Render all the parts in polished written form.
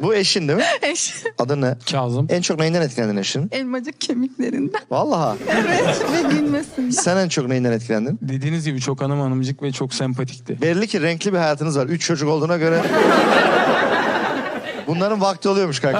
Bu eşin değil mi? Eş. Adı ne? Kazım. En çok neyinden etkilendin eşinin? Elmacık kemiklerinden. Vallahi. Evet. Ve gülmesinden. Sen en çok neyinden etkilendin? Dediğiniz gibi çok hanımcık ve çok sempatikti. Belli ki renkli bir hayatınız var. 3 çocuk olduğuna göre. Bunların vakti oluyormuş kanka.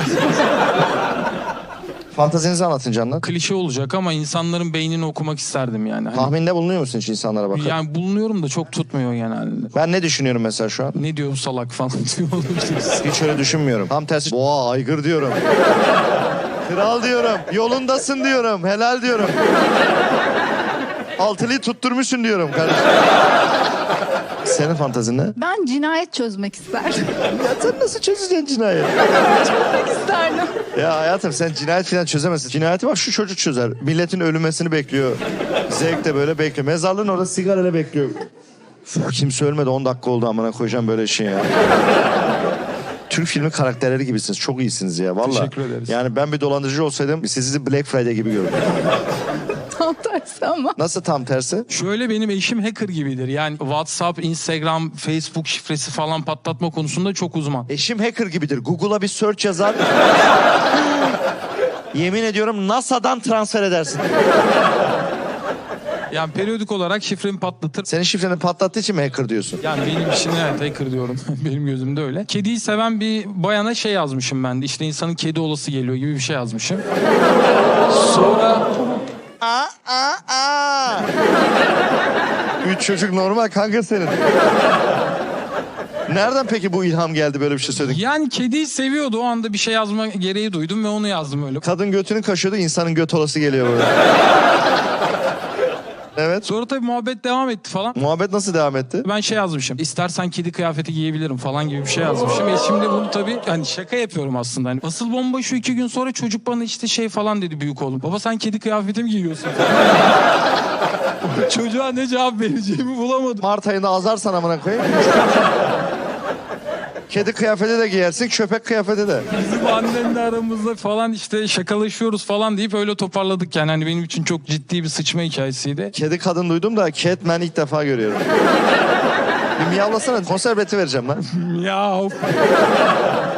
Fantazinizi anlatın canlar. Klişe olacak ama insanların beynini okumak isterdim yani. Hani, Tahminde bulunuyor musun hiç insanlara bakıp? yani bulunuyorum da çok tutmuyor genelde. Ben ne düşünüyorum mesela şu an? Ne diyor bu salak falan diyor olabiliriz. Hiç öyle düşünmüyorum. Tam tersi. Boğa, aygır diyorum. Kral diyorum. Yolundasın diyorum. Helal diyorum. Altılıyı tutturmuşsun diyorum kardeşim. Senin fantazin ne? Ben cinayet çözmek isterdim. Ya sen nasıl çözeceksin cinayet? Çözmek isterdim. Ya hayatım sen cinayet falan çözemezsin. Cinayeti bak şu çocuk çözer. Milletin ölümesini bekliyor. Zevk de böyle bekliyor. Mezarlığın orada sigarayla bekliyor. Uf, kimse ölmedi 10 dakika oldu amına koyacağım böyle şey ya. Türk filmi karakterleri gibisiniz. Çok iyisiniz ya vallahi. Teşekkür ederiz. Yani ben bir dolandırıcı olsaydım sizi Black Friday gibi görürdüm. Tam tersi ama. Nasıl tam tersi? Şöyle benim eşim hacker gibidir. Yani WhatsApp, Instagram, Facebook şifresi falan patlatma konusunda çok uzman. Eşim hacker gibidir. Google'a bir search yazar. Yemin ediyorum NASA'dan transfer edersin. Yani periyodik olarak şifremi patlatır. Senin şifreni patlattığı için mi hacker diyorsun? Yani benim için evet hacker diyorum. Benim gözümde öyle. Kediyi seven bir bayana şey yazmışım ben de. İşte insanın kedi olası geliyor gibi bir şey yazmışım. Sonra... Üç çocuk normal kanka senin. Nereden peki bu ilham geldi böyle bir şey söyledik? Yani kediyi seviyordu. O anda bir şey yazma gereği duydum ve onu yazdım öyle. Kadın götünü kaşıyordu, insanın göt olası geliyor burada. Evet. Sonra tabii muhabbet devam etti falan. Muhabbet nasıl devam etti? Ben şey yazmışım. İstersen kedi kıyafeti giyebilirim falan gibi bir şey yazmışım. Şimdi bunu tabii hani şaka yapıyorum aslında. Hani asıl bomba şu 2 gün sonra çocuk bana işte şey falan dedi büyük oğlum. Baba sen kedi kıyafeti mi giyiyorsun? Çocuğa ne cevap vereceğimi bulamadım. Mart ayında azarsan amına koyayım. Kedi kıyafeti de giyersin, köpek kıyafeti de. Bizim annemle aramızda falan işte şakalaşıyoruz falan deyip öyle toparladık yani. Hani benim için çok ciddi bir sıçma hikayesiydi. Kedi kadın duydum da Catman ilk defa görüyorum. Bir miyavlasana, konser bileti vereceğim lan. Ya of.